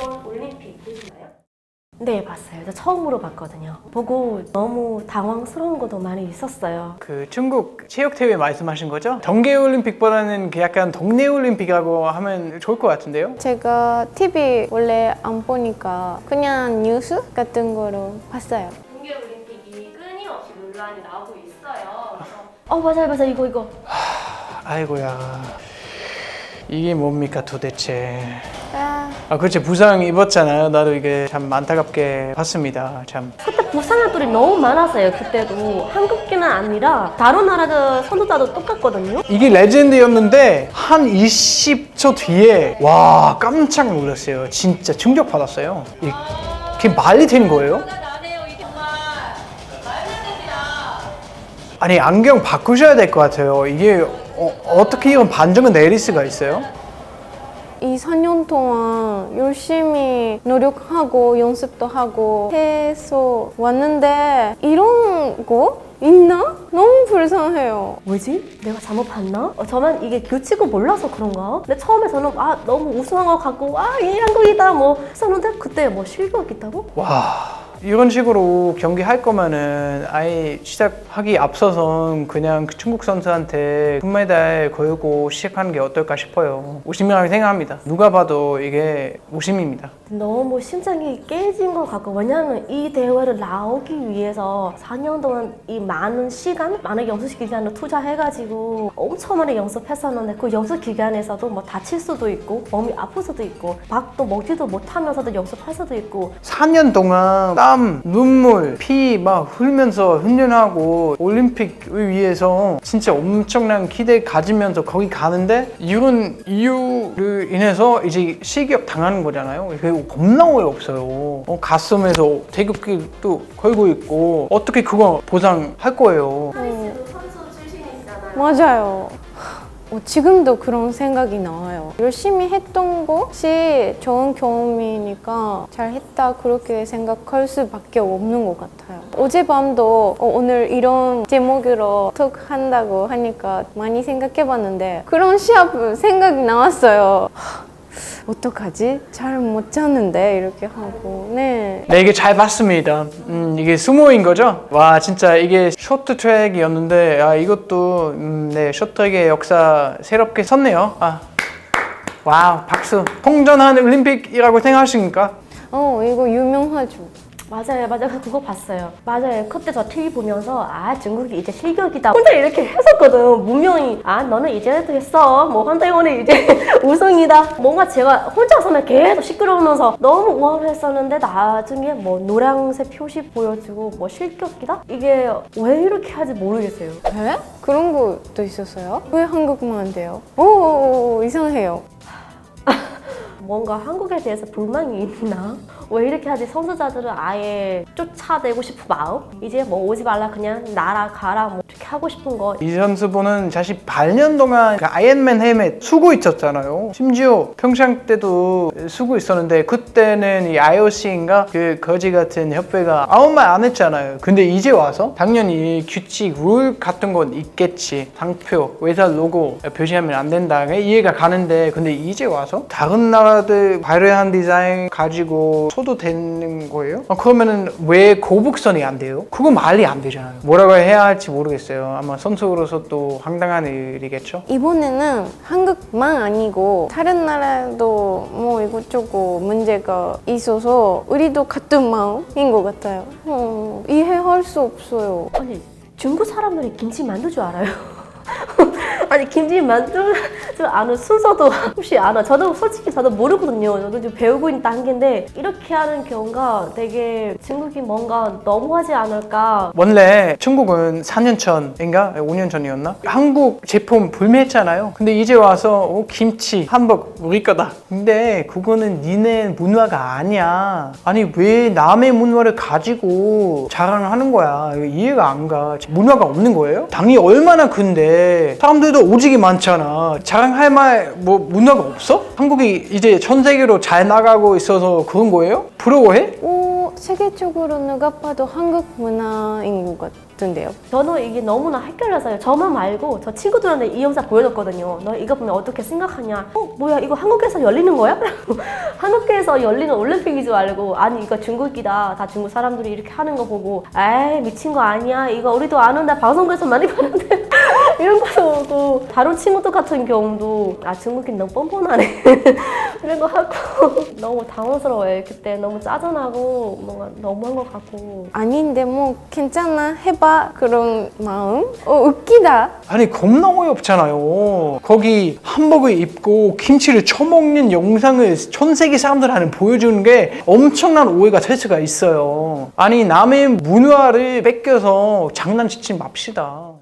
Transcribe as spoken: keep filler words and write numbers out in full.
이번 올림픽 보시나요? 네, 봤어요. 저 처음으로 봤거든요. 보고 너무 당황스러운 것도 많이 있었어요. 그 중국 체육대회 말씀하신 거죠? 동계올림픽보다는 그 약간 동네올림픽이라고 하면 좋을 것 같은데요? 제가 티비 원래 안 보니까 그냥 뉴스 같은 거로 봤어요. 동계올림픽이 끊임없이 논란이 나오고 있어요. 어, 맞아요, 맞아요. 이거, 이거. 아이고야, 이게 뭡니까 도대체. 아, 아 그렇지, 부상 입었잖아요. 나도 이게 참 안타깝게 봤습니다. 참. 그때 부상자들이 너무 많았어요. 그때도 한국뿐만 아니라 다른 나라 선수들도 똑같거든요. 이게 레전드였는데 한 이십 초 뒤에 와 깜짝 놀랐어요. 진짜 충격 받았어요. 이게 말이 되는 거예요? 아니 안경 바꾸셔야 될 것 같아요. 이게 어, 어떻게 이런 반전을 내릴 수가 있어요? 이 사 년 동안 열심히 노력하고 연습도 하고 해서 왔는데 이런 거 있나? 너무 불쌍해요. 뭐지? 내가 잘못 봤나? 어, 저만 이게 규칙을 몰라서 그런가? 근데 처음에 저는 아 너무 우승한 것 같고 아 얘 한국이다 뭐 했었는데 그때 뭐 실격 있다고? 와 이런 식으로 경기할 거면은 아예 시작하기 앞서선 그냥 그 중국 선수한테 금메달 걸고 시작하는 게 어떨까 싶어요. 오심이라고 생각합니다. 누가 봐도 이게 오심입니다. 너무 심장이 깨진 것 같고 왜냐면 이 대회를 나오기 위해서 사 년 동안 이 많은 시간, 많은 연습 기간을 투자해가지고 엄청 많이 연습했었는데 그 연습 기간에서도 뭐 다칠 수도 있고 몸이 아플 수도 있고 밥도 먹지도 못하면서도 연습할 수도 있고 사 년 동안 땀, 눈물, 피 막 흘면서 훈련하고 올림픽을 위해서 진짜 엄청난 기대 가지면서 거기 가는데 이런 이유로 인해서 이제 실격 당하는 거잖아요. 그게 겁나 어이없어요. 어, 가슴에서 태극기도 걸고 있고 어떻게 그거 보상할 거예요. 하리스도 선수 출신이시잖아요. 맞아요. 어, 지금도 그런 생각이 나와요. 열심히 했던 것이 좋은 경험이니까 잘했다 그렇게 생각할 수밖에 없는 것 같아요. 어젯밤도 어, 오늘 이런 제목으로 톡 한다고 하니까 많이 생각해봤는데 그런 시합 생각이 나왔어요. 어떡하지? 잘 못 잤는데 이렇게 하고 네. 네, 이게 잘 봤습니다. 음, 이게 스모인 거죠? 와, 진짜 이게 쇼트트랙이었는데 아, 이것도 음, 네, 쇼트트랙의 역사 새롭게 섰네요. 아, 와우, 박수. 통전한 올림픽이라고 생각하십니까? 어 이거 유명하죠. 맞아요, 맞아요. 그거 봤어요. 맞아요. 그때 저 티비 보면서 아 중국이 이제 실격이다. 혼자 이렇게 했었거든. 분명히 아 너는 이제도 했어. 뭐 한태원이 이제 우승이다. 뭔가 제가 혼자서는 계속 시끄러우면서 너무 우월했었는데 나중에 뭐 노란색 표시 보여주고 뭐 실격이다? 이게 왜 이렇게 하지 모르겠어요. 에? 그런 것도 있었어요? 왜 한국만 안 돼요? 오 이상해요. 뭔가 한국에 대해서 불만이 있나? 왜 이렇게 하지? 선수자들은 아예 쫓아내고 싶은 마음? 이제 뭐 오지 말라 그냥 날아가라 뭐 이렇게 하고 싶은 거. 이 선수분은 사실 팔 년 동안 그 아이언맨 헬멧 쓰고 있었잖아요. 심지어 평창 때도 쓰고 있었는데 그때는 이 아이오씨인가 그 거지 같은 협회가 아무 말 안 했잖아요. 근데 이제 와서 당연히 규칙, 룰 같은 건 있겠지. 상표, 회사 로고 표시하면 안 된다. 이해가 가는데 근데 이제 와서 다른 나라들 화려한 디자인 가지고 써도 되는 거예요? 아, 그러면은 왜 고북선이 안 돼요? 그거 말이 안 되잖아요. 뭐라고 해야 할지 모르겠어요. 아마 선수로서 또 황당한 일이겠죠? 이번에는 한국만 아니고 다른 나라도 뭐 이것저것 문제가 있어서 우리도 같은 마음인 것 같아요. 어, 이해할 수 없어요. 아니 중국 사람들이 김치 만두 줄 알아요? 아니 김치 만두 줄 아는 순서도 혹시 알아? 저도 솔직히 저도 모르거든요. 저도 지금 배우고 있는 단계인데 이렇게 하는 경우가 되게 중국이 뭔가 너무하지 않을까. 원래 중국은 사 년 전인가? 오 년 전이었나? 한국 제품 불매했잖아요. 근데 이제 와서 어, 김치, 한복 우리 거다. 근데 그거는 니네 문화가 아니야. 아니 왜 남의 문화를 가지고 자랑하는 거야? 이거 이해가 안 가. 문화가 없는 거예요? 당이 얼마나 큰데 사람들도 오직이 많잖아. 자랑할 말 뭐 문화가 없어? 한국이 이제 전 세계로 잘 나가고 있어서 그런 거예요? 부러워해? 오, 세계적으로 누가 봐도 한국 문화인 것 같은데요. 저는 이게 너무나 헷갈려서요. 저만 말고 저 친구들한테 이 영상 보여줬거든요. 너 이거 보면 어떻게 생각하냐? 어 뭐야 이거 한국에서 열리는 거야? 한국에서 열리는 올림픽인 줄 알고 아니 이거 중국이다. 다 중국 사람들이 이렇게 하는 거 보고 에이 미친 거 아니야. 이거 우리도 아는데 방송국에서 많이 봤는데 이런 거도 보고 다른 친구들 같은 경우도 아 중국인 너무 뻔뻔하네 이런 거 하고 너무 당황스러워요. 그때 너무 짜증나고 뭔가 너무한 것 같고 아닌데 뭐 괜찮아 해봐 그런 마음. 어 웃기다. 아니 겁나 어이없잖아요. 거기 한복을 입고 김치를 쳐먹는 영상을 전 세계 사람들한테 보여주는 게 엄청난 오해가 될 수가 있어요. 아니 남의 문화를 뺏겨서 장난치지 맙시다.